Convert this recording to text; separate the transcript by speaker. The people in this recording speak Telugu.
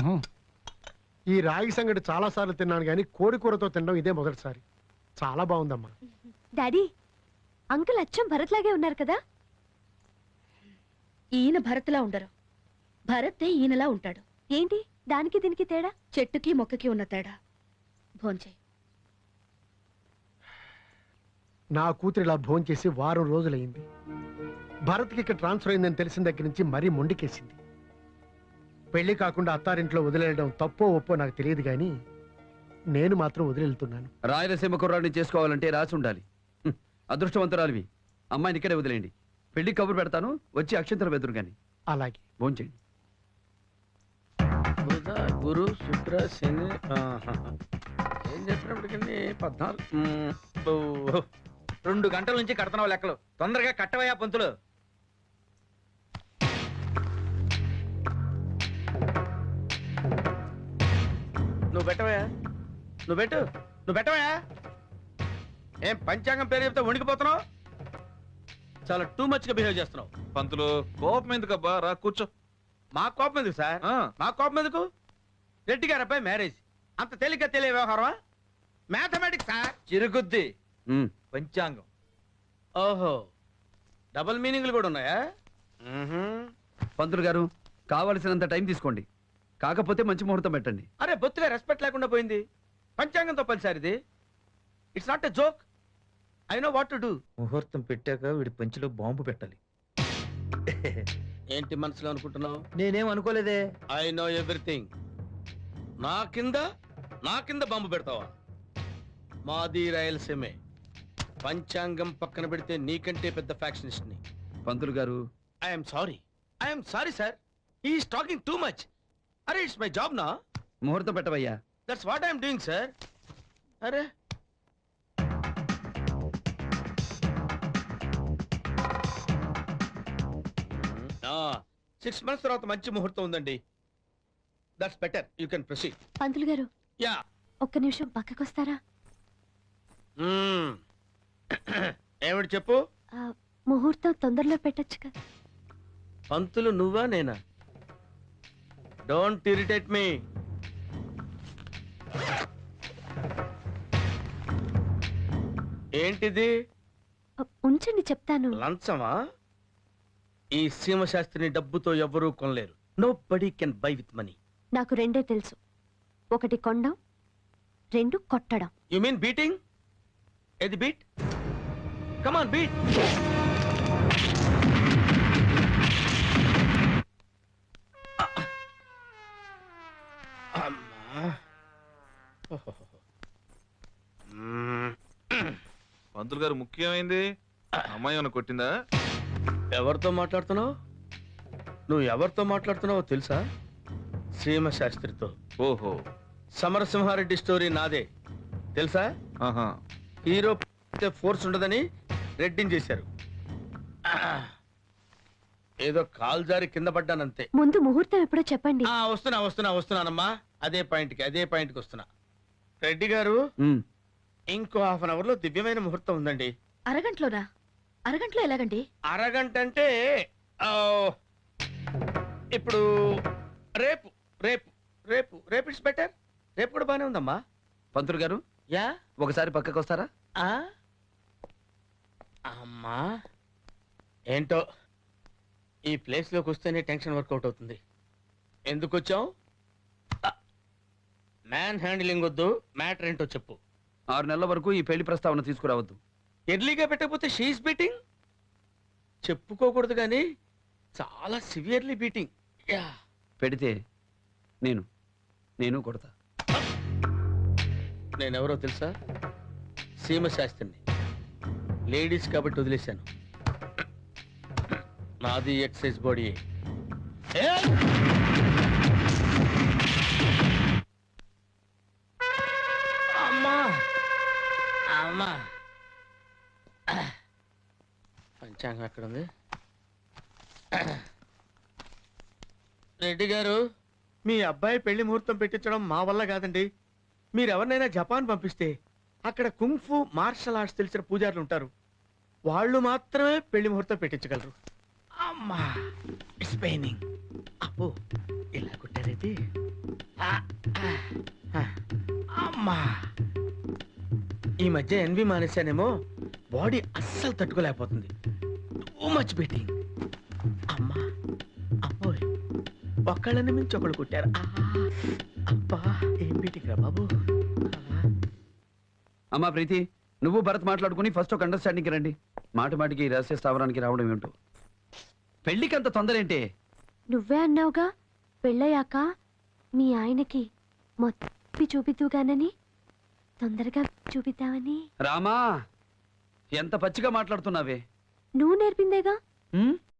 Speaker 1: ఈ రాగి సంగటి చాలా సార్లు తిన్నాను కానీ కోడి కూరతో తినడం ఇదే మొదటిసారి. చాలా బాగుందమ్మా.
Speaker 2: డాడీ, అంకుల్ అచ్చం భరత్ లాగే ఉన్నారు కదా?
Speaker 3: ఈయన భరత్లా ఉండరు, భరతే ఈయనలా ఉంటాడు.
Speaker 2: ఏంటి దానికి దీనికి తేడా?
Speaker 3: చెట్టుకి మొక్కకి ఉన్న తేడా. భోంచేయి.
Speaker 1: నా కూతురు ఇలా భోంచేసి వారం రోజులైంది. భరత్కి ఇక్కడ ట్రాన్స్ఫర్ అయిందని తెలిసిన దగ్గర నుంచి మరీ మొండికేసింది. పెళ్లి కాకుండా అత్తారింట్లో వదిలేయడం తప్పో ఒప్పో నాకు తెలియదు కానీ నేను మాత్రం వదిలేళ్తున్నాను.
Speaker 4: రాయలసీమ కుర్రాడిని చేసుకోవాలంటే రాసి ఉండాలి. అదృష్టవంతురాలివి. అమ్మాయిని ఇక్కడే వదిలేయండి. పెళ్లి కబురు పెడతాను, వచ్చి అక్షంతరం వెదురు గాని.
Speaker 1: అలాగే
Speaker 4: భోంచేయండి.
Speaker 5: బుధ గురు శుక్ర శని ఏం చెప్పినప్పటికీ 14 2 గంటల నుంచి కడుతున్నావు లెక్కలు. తొందరగా కట్టవయ్యా పంతులు. నువ్వు పెట్టవయ్యా, నువ్వు పెట్టవయ్యా. ఏం పంచాంగం పేరు చెప్తే వణికిపోతున్నావు? చాలా టూ మచ్ గా బిహేవ్ చేస్తున్నావు.
Speaker 6: పంతులు కోపం ఎందుకబ్బా, రా కూర్చో.
Speaker 5: మా కోపం ఎందుకు సార్? మా కోపం ఎందుకు? రెడ్డి గారి అబ్బాయి మ్యారేజ్ అంత తేలిక తెలియ వ్యవహారమా? Mathematics sir. చిరుగుద్ది పంచాంగం. ఓహో, డబుల్ మీనింగ్లు కూడా ఉన్నాయా?
Speaker 4: పంతులు గారు కావలసినంత టైం తీసుకోండి, కాకపోతే మంచి ముహూర్తం పెట్టండి.
Speaker 5: అరే బొత్తుగా రెస్పెక్ట్ లేకుండా పోయింది. పంచాంగంతో పని సార్ ఇది. It's not a joke. I know what to do.
Speaker 7: ముహూర్తం పెట్టాక వీడి పంచిలో బాంబు పెట్టాలి.
Speaker 5: ఏంటి మనసులో అనుకుంటున్నావు?
Speaker 7: నేనేం అనుకోలేదే.
Speaker 5: I know everything. నా కింద బాంబు పెడతావా? మాది రాయలసీమే. పంచాంగం పక్కన పెడితే నీకంటే పెద్ద ఫ్యాక్షనిస్ట్ ని.
Speaker 4: పంతులు గారు
Speaker 5: I'm sorry sir. He's talking too much. అరే ఇట్స్ మై జాబ్ నా.
Speaker 4: ముహూర్తం పెట్టవయ్యా.
Speaker 5: That's what I'm doing sir. అరే 6 months తర్వాత మంచి ముహూర్తం ఉందండి. That's better. You can proceed.
Speaker 2: పంతులు గారు,
Speaker 5: యా,
Speaker 2: ఒక్క నిమిషం పక్కకొస్తారా?
Speaker 5: ఏమిటి చెప్పు.
Speaker 2: ముహూర్తం తొందరలో పెట్టొచ్చు కదా.
Speaker 5: పంతులు నువ్వా నేనా? Don't irritate me. ఏంటిది?
Speaker 2: ఉంచండి చెప్తాను.
Speaker 5: లంచమా? ఈ సీమశాస్త్రిని డబ్బుతో ఎవ్వరూ కొనలేరు. Nobody can buy with money.
Speaker 2: నాకు రెండే తెలుసు, ఒకటి కొండం, 2 కొట్టడం.
Speaker 5: You mean beating? ఏది బీట్? Come on beat.
Speaker 6: పంతులు గారు ముఖ్యమైంది. అమ్మాయి ఏమైనా కొట్టిందా?
Speaker 5: ఎవరితో మాట్లాడుతున్నావు? నువ్వు ఎవరితో మాట్లాడుతున్నావో తెలుసా? సీమశాస్త్రితో.
Speaker 6: ఓహో,
Speaker 5: సమరసింహారెడ్డి స్టోరీ నాదే తెలుసా?
Speaker 6: ఆహా.
Speaker 5: హీరో ఫోర్స్ ఉండదని రెడ్డిని చేశారు. ఏదో కాల్ జారి కింద పడ్డానంతే.
Speaker 2: ముందు ముహూర్తం ఎప్పుడో చెప్పండి.
Speaker 5: వస్తున్నానమ్మా. అదే పాయింట్కి వస్తున్నా. రెడ్డి గారు, ఇంకో ½ an hour లో దివ్యమైన ముహూర్తం ఉందండి.
Speaker 3: అరగంటలోనా? అరగంటలో ఎలాగండి?
Speaker 5: అరగంట అంటే ఇప్పుడు రేపు రేపు రేపు రేపు ఇట్స్ బెటర్. రేపు కూడా బానే ఉందమ్మా.
Speaker 4: పంతులు గారు
Speaker 5: యా,
Speaker 4: ఒకసారి పక్కకు వస్తారా?
Speaker 5: అమ్మా ఏంటో ఈ ప్లేస్ లోకి వస్తేనే టెన్షన్ వర్కౌట్ అవుతుంది. ఎందుకు వచ్చావు? మ్యాన్ హ్యాండిలింగ్ వద్దు, మ్యాటర్ ఏంటో చెప్పు.
Speaker 4: 6 నెలల వరకు ఈ పెళ్లి ప్రస్తావన తీసుకురావద్దు.
Speaker 5: ఎర్లీగా పెట్టకపోతే షీఈస్ బీటింగ్. చెప్పుకోకూడదు కానీ చాలా సివియర్లీ బీటింగ్. యా,
Speaker 4: పెడితే నేను కొడతా.
Speaker 5: నేనెవరో తెలుసా? సీమశాస్త్రిని. లేడీస్ కాబట్టి వదిలేశాను. నాది ఎక్సైజ్ బాడీ. అమ్మా అమ్మా, పంచాంగం ఎక్కడ ఉంది? రెడ్డి గారు, మీ అబ్బాయి పెళ్లి ముహూర్తం పెట్టించడం మా వల్ల కాదండి. మీరెవరినైనా జపాన్ పంపిస్తే అక్కడ కుంఫు మార్షల్ ఆర్ట్స్ తెలిసిన పూజారులు ఉంటారు. వాళ్ళు మాత్రమే పెళ్లి ముహూర్తం పెట్టించగలరు. అమ్మా, ఇట్స్ పెయినింగ్. అబ్బో, ఇలా కొట్టారైతే అమ్మా ఈ మధ్య ఎన్వి మానేశానేమో బాడీ అస్సలు తట్టుకోలేకపోతుంది. Too much betting. అమ్మా అమ్మోయ్ ఒక్కళ్ళని మించి ఒకళ్ళు కొట్టారు. అబ్బా ఏం బీటింగ్ రా బాబు.
Speaker 4: అమ్మా ప్రీతి, నువ్వు భరత్ మాట్లాడుకుని ఫస్ట్ ఒక అండర్స్టాండింగ్కి రండి. మాటి మాటికి ఈ రహస్య స్థావరానికి రావడం ఏమిటో. పెళ్లికి అంత తొందర ఏంటి?
Speaker 2: నువ్వే అన్నావుగా పెళ్ళయ్యాక మీ ఆయనకి మొత్తం చూపిద్దుగానని, తొందరగా చూపిద్దామని.
Speaker 4: రామా, ఎంత పచ్చిగా మాట్లాడుతున్నావే.
Speaker 2: నువ్వు నేర్పిందేగా.
Speaker 4: ఉమ్?